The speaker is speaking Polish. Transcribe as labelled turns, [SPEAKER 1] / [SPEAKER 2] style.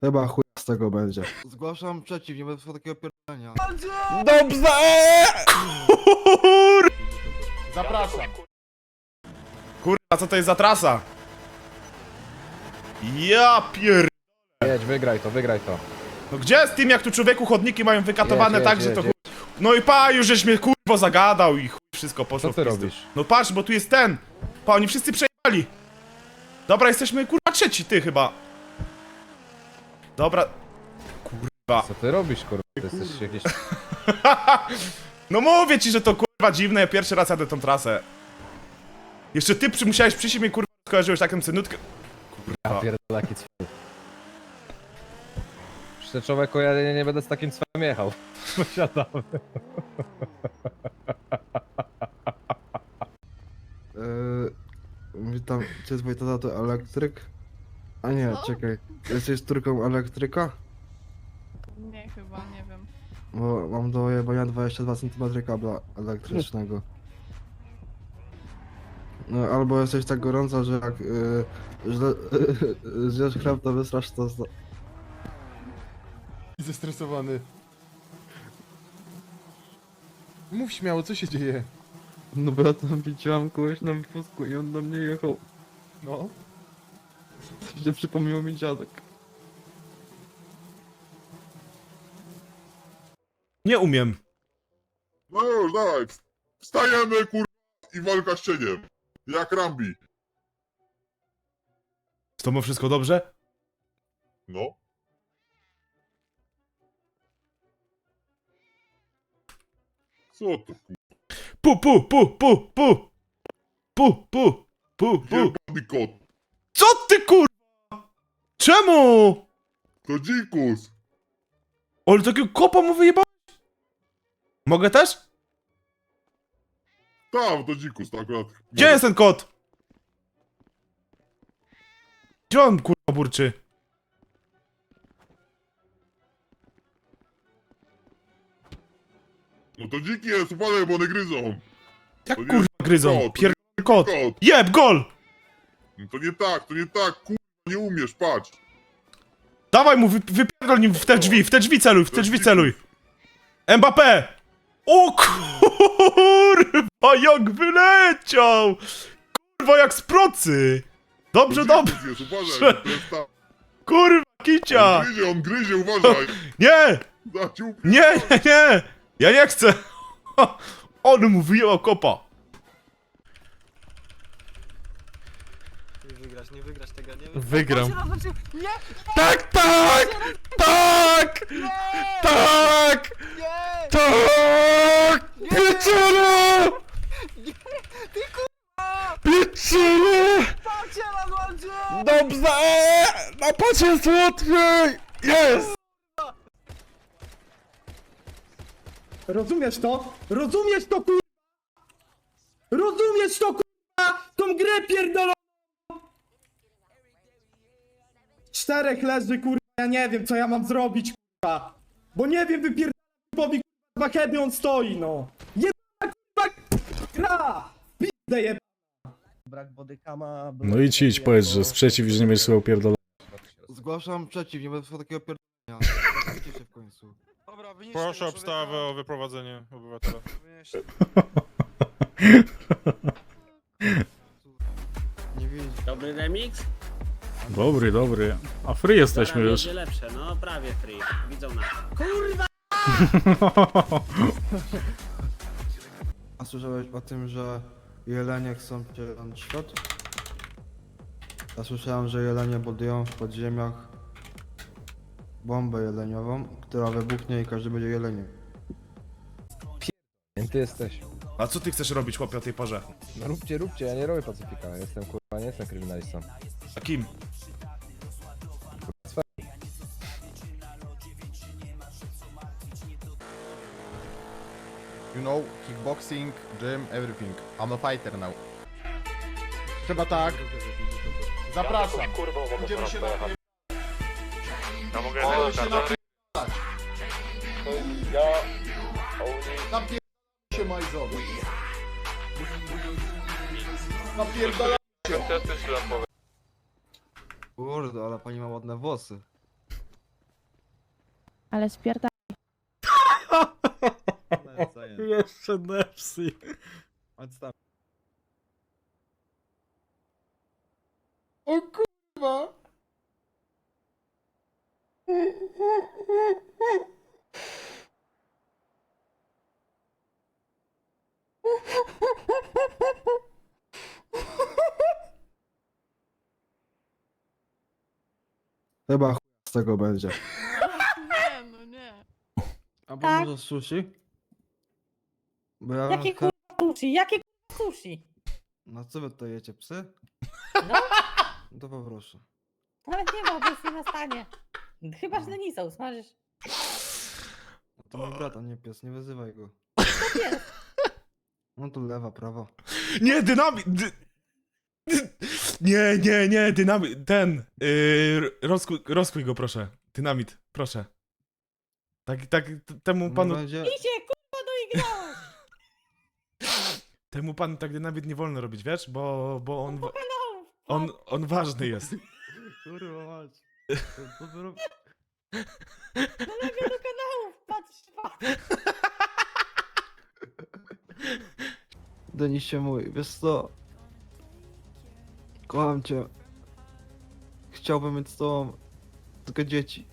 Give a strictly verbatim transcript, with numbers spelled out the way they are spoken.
[SPEAKER 1] Chyba chuj z tego będzie.
[SPEAKER 2] Zgłaszam przeciw, nie będę takiego pierdolenia.
[SPEAKER 3] Dobrze! Kur...
[SPEAKER 4] Zapraszam.
[SPEAKER 3] Kurwa, co to jest za trasa? Ja pier...
[SPEAKER 4] Jedź, wygraj to, wygraj to.
[SPEAKER 3] No gdzie jest tym, jak tu człowieku chodniki mają wykatowane
[SPEAKER 4] Jedź,
[SPEAKER 3] tak,
[SPEAKER 4] jedź,
[SPEAKER 3] że to
[SPEAKER 4] jedź,
[SPEAKER 3] chuj... No i pa, już żeś mnie kurwo zagadał i chuj, wszystko poszło
[SPEAKER 4] Co ty
[SPEAKER 3] w pizdu.
[SPEAKER 4] robisz?
[SPEAKER 3] No patrz, bo tu jest ten. Pa, oni wszyscy przejechali. Dobra, jesteśmy kurwa trzeci, ty chyba. Dobra. Kurwa.
[SPEAKER 4] Co ty robisz, kurwa? Ty jesteś jakiś...
[SPEAKER 3] No mówię ci, że to kurwa dziwne, ja pierwszy raz jadę tą trasę. Jeszcze ty przy, musiałeś przyjść i mnie kurwa skojarzyłeś taką cenutkę.
[SPEAKER 4] Ja
[SPEAKER 3] Kurwa.
[SPEAKER 4] pierdolę, jaki cwel. Przecież człowieku, ja nie, nie będę z takim cwelem jechał. Posiadamy.
[SPEAKER 1] Yy, witam, czy jest tata to elektryk? A nie, czekaj. Jesteś córką elektryka?
[SPEAKER 5] Nie, chyba, nie wiem.
[SPEAKER 1] Bo mam do jebania dwadzieścia dwa centymetry kabla elektrycznego. No, albo jesteś tak gorąca, że jak yy, źle yy, zjesz chleb, to wysrasz to... z-
[SPEAKER 6] Zestresowany. Mów śmiało, co się dzieje?
[SPEAKER 1] No bo ja tam widziałam kogoś na wózku i on do mnie jechał.
[SPEAKER 6] No.
[SPEAKER 1] Się przypomniał mi dziadek.
[SPEAKER 3] Nie umiem.
[SPEAKER 7] No już, dawaj. Wstajemy, kur... i walka z cieniem. Jak Rambi.
[SPEAKER 3] Z tobą wszystko dobrze?
[SPEAKER 7] No. Co to, kur...
[SPEAKER 3] Pu, pu, pu, pu, pu. Pu, pu, pu, pu.
[SPEAKER 7] Jebany kot.
[SPEAKER 3] Co ty kurwa? Czemu?
[SPEAKER 7] To dzikus.
[SPEAKER 3] Ale takiego kopa mu wyjebałeś? Mogę też?
[SPEAKER 7] Tam, to dzikus, to akurat.
[SPEAKER 3] Gdzie jest ten kot? Gdzie on kurwa burczy?
[SPEAKER 7] No to dziki jest, upadaj, bo one gryzą.
[SPEAKER 3] Jak
[SPEAKER 7] To nie
[SPEAKER 3] kurwa gryzą?
[SPEAKER 7] kot, to
[SPEAKER 3] Pier... kot.
[SPEAKER 7] Kot.
[SPEAKER 3] Jeb, gol!
[SPEAKER 7] No to nie tak, to nie tak, kur... nie umiesz, patrz.
[SPEAKER 3] Dawaj mu, wy, wypierdol nim w te drzwi, w te drzwi celuj, w te drzwi celuj. Mbappé! O kurwa, jak wyleciał! Kurwa, jak z procy! Dobrze,
[SPEAKER 7] To
[SPEAKER 3] dobrze,
[SPEAKER 7] dzikus jest, uważaj, to jest tam.
[SPEAKER 3] kurwa, kicia!
[SPEAKER 7] On gryzie, on gryzie, uważaj.
[SPEAKER 3] Nie,
[SPEAKER 7] Da ci up...
[SPEAKER 3] nie, nie, nie! Ja nie chcę! On mu wyjęła kopa.
[SPEAKER 2] Nie wygrasz, nie wygrasz tego, nie wygrasz.
[SPEAKER 6] Wygram.
[SPEAKER 5] Nie!
[SPEAKER 3] Tak, tak! Tak! Tak!
[SPEAKER 5] Nie!
[SPEAKER 3] Tak! Pieczero! Pieczero!
[SPEAKER 5] Patrzcie na złodzie!
[SPEAKER 3] Dobrze! Na pacie jest łatwiej! Jest!
[SPEAKER 8] Rozumiesz to? Rozumiesz to, kurwa? Rozumiesz to, kurwa? Tą grę pierdoloną! Czterech leży, kurwa, ja nie wiem, co ja mam zrobić, kurwa. Bo nie wiem, wypierdolę typowi, kurwa, kiedy on stoi, no. Jebana, kurwa, gra! Pizdę jeb...
[SPEAKER 9] Brak bodykama...
[SPEAKER 10] No idź, idź, powiedz, że sprzeciw, że nie będziesz słuchał pierdolenia.
[SPEAKER 2] Zgłaszam przeciw, nie będę takiego pierdolenia. Zgłaszajcie się w końcu.
[SPEAKER 11] Dobra, proszę obstawę o wyprowadzenie obywatela.
[SPEAKER 2] Nie widzisz.
[SPEAKER 9] Dobry remix?
[SPEAKER 10] Dobry, dobry. A free jesteśmy już.
[SPEAKER 9] Będzie lepsze, no prawie free. Widzą nas. Kurwa!
[SPEAKER 1] A słyszałeś o tym, że jelenie chcą przejąć świat? Ja słyszałem, że jelenie budują w podziemiach bombę jeleniową, która wybuchnie i każdy będzie jeleniem.
[SPEAKER 4] Kim ty jesteś?
[SPEAKER 3] A co ty chcesz robić, chłopie, o tej porze?
[SPEAKER 4] No róbcie, róbcie, ja nie robię pacyfika. Ja jestem kurwa, nie jestem kryminalistą.
[SPEAKER 3] A kim?
[SPEAKER 6] You know, kickboxing, gym, everything. I'm a fighter now. Trzeba tak. Zapraszam. Będziemy się na...
[SPEAKER 11] Ja mogę
[SPEAKER 6] O,
[SPEAKER 11] jechać
[SPEAKER 6] się
[SPEAKER 11] na kartę?
[SPEAKER 6] Napierdolę się majzowy. Napierdolę się.
[SPEAKER 2] Kurde, ale pani ma ładne włosy.
[SPEAKER 5] Ale spierdam.
[SPEAKER 10] Jeszcze Nepsi.
[SPEAKER 1] Odstaw.
[SPEAKER 6] O kurwa!
[SPEAKER 1] Chyba chuj z tego będzie.
[SPEAKER 5] Nie, no nie.
[SPEAKER 1] Albo może sushi? Bo ja
[SPEAKER 12] Jakie
[SPEAKER 1] chę-
[SPEAKER 12] kurwa sushi? Jakie kurwa sushi?
[SPEAKER 1] No co wy to jecie, psy?
[SPEAKER 12] No,
[SPEAKER 1] No to poproszę.
[SPEAKER 12] nawet nie ma, bo jest nie na stanie. Chyba, że Denisa usmażysz.
[SPEAKER 1] No to mój brat, a nie pies, nie wyzywaj go.
[SPEAKER 12] To jest.
[SPEAKER 1] No to lewa, prawa.
[SPEAKER 3] Nie, dynamit! Dy... dy- Nie, nie, nie, dynamit, ten, yy, rozkuj, rozkuj go proszę, dynamit, proszę. Tak, tak, t- temu
[SPEAKER 1] Nie
[SPEAKER 3] panu,
[SPEAKER 1] będzie...
[SPEAKER 12] I się kurwa doigrałeś.
[SPEAKER 3] temu panu tak dynamit nie wolno robić, wiesz, bo, bo on, wa-
[SPEAKER 12] No,
[SPEAKER 3] on, on ważny jest.
[SPEAKER 1] Kurwa mać. To, to wy rob-
[SPEAKER 12] do do kanałów, patrz, patrz.
[SPEAKER 1] Denisie mój, wiesz co? Kocham cię. Chciałbym mieć z tobą tylko dzieci.